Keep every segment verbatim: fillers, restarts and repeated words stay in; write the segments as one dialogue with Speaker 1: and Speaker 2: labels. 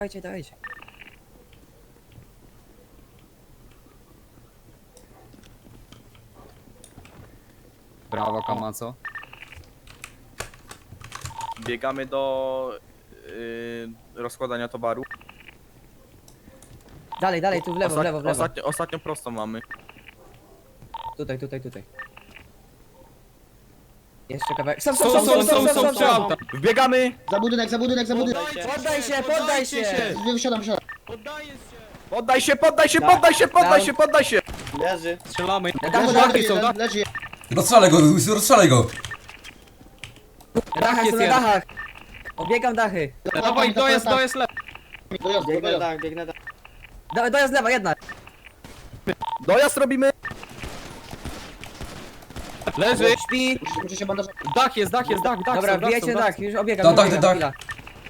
Speaker 1: Dawajcie, dawajcie.
Speaker 2: Brawo, Kamaco.
Speaker 3: Biegamy do yy, rozkładania towaru.
Speaker 1: Dalej, dalej, tu w lewo, w lewo, w lewo.
Speaker 3: Ostatnio, ostatnio prostą mamy.
Speaker 1: Tutaj, tutaj, tutaj. Jeszcze kawałek. Stop,
Speaker 2: Są,
Speaker 1: stop,
Speaker 2: są,
Speaker 1: stop,
Speaker 2: są,
Speaker 1: stop,
Speaker 2: są,
Speaker 1: stop,
Speaker 2: są
Speaker 1: stop.
Speaker 2: auta.
Speaker 3: Wbiegamy!
Speaker 4: Za budynek, za budynek, za budynek!
Speaker 1: Poddaj się, poddaj się!
Speaker 4: Wysiadam, wysiadam.
Speaker 2: Poddaję się.
Speaker 3: Poddaj się, poddaj się, poddaj się, poddaj
Speaker 1: Down.
Speaker 3: się, poddaj się!
Speaker 5: Leży.
Speaker 2: Strzelamy.
Speaker 1: Na dachu,
Speaker 4: Leży,
Speaker 1: dachy
Speaker 4: leży,
Speaker 1: są,
Speaker 4: jeden,
Speaker 1: na
Speaker 4: leży.
Speaker 6: Rozstrzelaj go, rozstrzelaj go!
Speaker 1: dachach,
Speaker 2: jest
Speaker 1: są na
Speaker 2: jeden.
Speaker 1: dachach. Obiegam dachy.
Speaker 2: Dawaj, to jest, to jest lepiej.
Speaker 4: Dojazd,
Speaker 5: Biegnę
Speaker 4: dojazd.
Speaker 5: tak, biegnę tak.
Speaker 1: Dawaj, dojazd lewa, jedna.
Speaker 3: Dojazd robimy!
Speaker 2: Leży.
Speaker 1: Śpi.
Speaker 4: Muszę- Muszę się bandażować.
Speaker 2: Dach jest, dach jest, dach, dach.
Speaker 1: Dobra,
Speaker 2: są, dach
Speaker 1: wbijajcie
Speaker 2: są,
Speaker 1: na
Speaker 2: dach.
Speaker 1: dach, już obiegam,
Speaker 6: Tak, tak,
Speaker 1: obiegam,
Speaker 6: tak.
Speaker 1: chwila.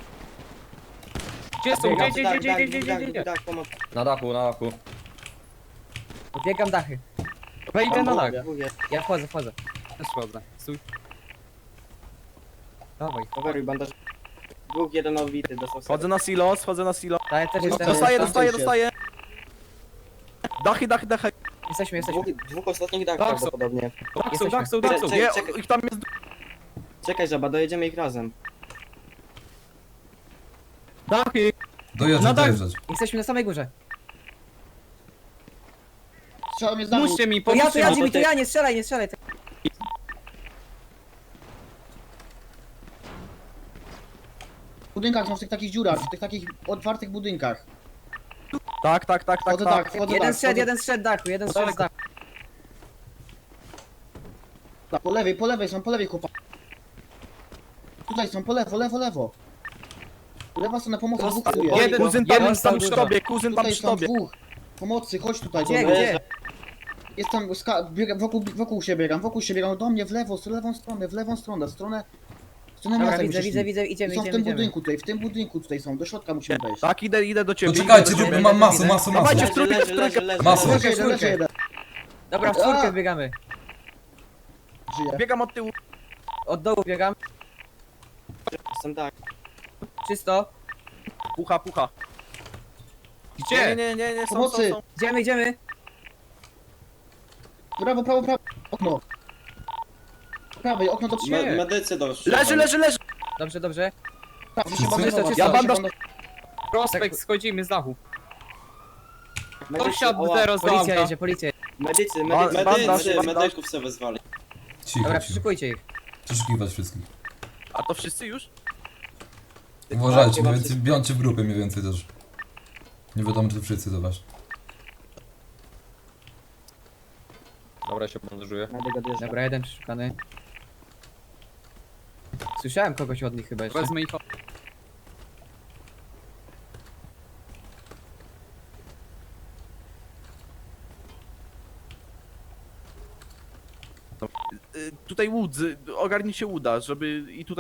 Speaker 2: Gdzie są? Gdzie,
Speaker 5: Biegam,
Speaker 2: gdzie,
Speaker 5: tak,
Speaker 2: gdzie,
Speaker 5: tak,
Speaker 2: gdzie, gdzie,
Speaker 5: tak,
Speaker 2: gdzie, gdzie?
Speaker 5: tak, pomoc.
Speaker 7: Na dachu, na dachu.
Speaker 1: Obiegam dachy.
Speaker 2: Wejdę na dach.
Speaker 5: Dwóch jest.
Speaker 1: Ja wchodzę, wchodzę.
Speaker 2: Też wchodzę. Stój. Dawaj.
Speaker 5: Coveruj bandaż. Dwóch, jeden odbity, dostał
Speaker 3: Wchodzę na silo, wchodzę na silo.
Speaker 1: Tak, ja też jestem.
Speaker 3: Dostaję,
Speaker 4: tam
Speaker 3: dostaję,
Speaker 4: się.
Speaker 3: dostaję. Dachy, dachy, dachy.
Speaker 1: Jesteśmy, jesteśmy.
Speaker 5: Dwóch, dwóch ostatnich dach
Speaker 2: Tak, są.
Speaker 5: prawdopodobnie.
Speaker 2: Dach są,
Speaker 1: Jesteśmy.
Speaker 2: dach są, dach są.
Speaker 5: Czekaj,
Speaker 3: Nie,
Speaker 5: czekaj.
Speaker 3: ich tam jest...
Speaker 5: Czekaj, żaba, dojedziemy ich razem.
Speaker 2: Dachy.
Speaker 6: Dojeżdżać,
Speaker 2: No tak.
Speaker 6: dojeżdżać.
Speaker 1: Jesteśmy na samej górze.
Speaker 4: Strzelam mnie z dachu.
Speaker 2: Pomóżcie mi,
Speaker 1: To ja, to
Speaker 2: pomóżcie
Speaker 1: ja,
Speaker 2: mi.
Speaker 1: Jimmy, to ja, nie strzelaj, nie strzelaj.
Speaker 4: W budynkach są w tych takich dziurach, w tych takich otwartych budynkach.
Speaker 3: Tak, tak, tak, tak,
Speaker 4: Wchodzę
Speaker 3: tak.
Speaker 4: tak, wchodzę
Speaker 1: Jeden
Speaker 4: tak.
Speaker 1: strzed,
Speaker 4: wchodzę-
Speaker 1: jeden strzed dachu, jeden strzed z dachu.
Speaker 4: tak. Po lewej, po lewej są, po lewej chłopaki. Tutaj są, po lewo, lewo, lewo. Lewa strona pomocy, dwóch tu jest.
Speaker 2: Jeden,
Speaker 3: Kuzyn tam,
Speaker 2: jeden
Speaker 3: tam
Speaker 2: tam
Speaker 3: przy
Speaker 2: dużo.
Speaker 3: tobie, kuzyn tam
Speaker 4: Tutaj
Speaker 3: przy
Speaker 4: są
Speaker 3: tobie.
Speaker 4: dwóch. Pomocy, chodź tutaj.
Speaker 1: Gdzie,
Speaker 4: do mnie.
Speaker 1: gdzie?
Speaker 4: Jest tam, ska- biegam, wokół, wokół się biegam, wokół się biegam, do mnie w lewo, w lewą stronę, w lewą stronę, w stronę... W stronę
Speaker 1: Dobra,
Speaker 4: miasta
Speaker 1: widzę,
Speaker 4: musisz
Speaker 1: widzę,
Speaker 4: iść.
Speaker 1: widzę,
Speaker 4: I
Speaker 1: idziemy,
Speaker 4: są w
Speaker 1: idziemy,
Speaker 4: tym
Speaker 1: idziemy.
Speaker 4: budynku tutaj, w tym budynku tutaj są, do środka musimy wejść.
Speaker 3: Tak, idę, idę do ciebie.
Speaker 6: To czekajcie,
Speaker 3: idę do
Speaker 6: tu
Speaker 3: ciebie.
Speaker 6: mam masę, masę, masę.
Speaker 3: Dawajcie, w
Speaker 5: Leży,
Speaker 3: trójkę, w
Speaker 5: leży, leży,
Speaker 3: trójkę.
Speaker 5: leży.
Speaker 6: Masło.
Speaker 4: Leży
Speaker 1: Czwórkę,
Speaker 4: jeden, leży
Speaker 1: czwórkę.
Speaker 4: jeden.
Speaker 1: Dobra, w
Speaker 4: A!
Speaker 1: czwórkę biegamy.
Speaker 4: Żyje.
Speaker 3: Biegam od tyłu.
Speaker 1: Od dołu biegam.
Speaker 5: Jestem tak.
Speaker 1: Czysto.
Speaker 3: Pucha, pucha. Nie,
Speaker 2: Gdzie?
Speaker 3: nie, nie, nie, są, są,
Speaker 4: Pomocy.
Speaker 3: są.
Speaker 1: Idziemy, idziemy.
Speaker 4: Prawo, prawo, prawo. Okno. Prawej, okno do
Speaker 2: Gdzie?
Speaker 4: trzech.
Speaker 5: Medycy do
Speaker 3: Leży, leży, leży.
Speaker 1: Dobrze, dobrze.
Speaker 4: Tak, muszę
Speaker 6: Czysto,
Speaker 4: bandażować,
Speaker 1: czysto.
Speaker 3: Ja
Speaker 4: muszę
Speaker 3: bandaż-
Speaker 4: bandaż-
Speaker 2: Prospekt, schodzimy z dachu. Kto
Speaker 5: Medycy,
Speaker 2: wsiadł
Speaker 5: oła.
Speaker 2: teraz do
Speaker 1: Policja
Speaker 2: auta?
Speaker 1: jedzie, policja jedzie.
Speaker 5: Medycy,
Speaker 3: Ba-
Speaker 5: medycy,
Speaker 3: bandaż,
Speaker 5: medycy,
Speaker 3: bandaż.
Speaker 5: medyków sobie wezwali.
Speaker 6: Cicho,
Speaker 1: Dobra,
Speaker 6: cicho.
Speaker 1: przeszukujcie ich.
Speaker 6: Przeszukiwać wszystkich.
Speaker 3: A to wszyscy już?
Speaker 6: Uważajcie, mniej więcej bądźcie w grupie mniej więcej też. Nie wiadomo, czy wszyscy to wasz.
Speaker 7: Dobra, się bandażuję.
Speaker 5: Medyk odjeżdża.
Speaker 1: Dobra, jeden przeszukany. Słyszałem kogoś od nich chyba jeszcze.
Speaker 2: Wezmę ich.
Speaker 3: Y, Tutaj łódzy, ogarnijcie łuda, żeby i tutaj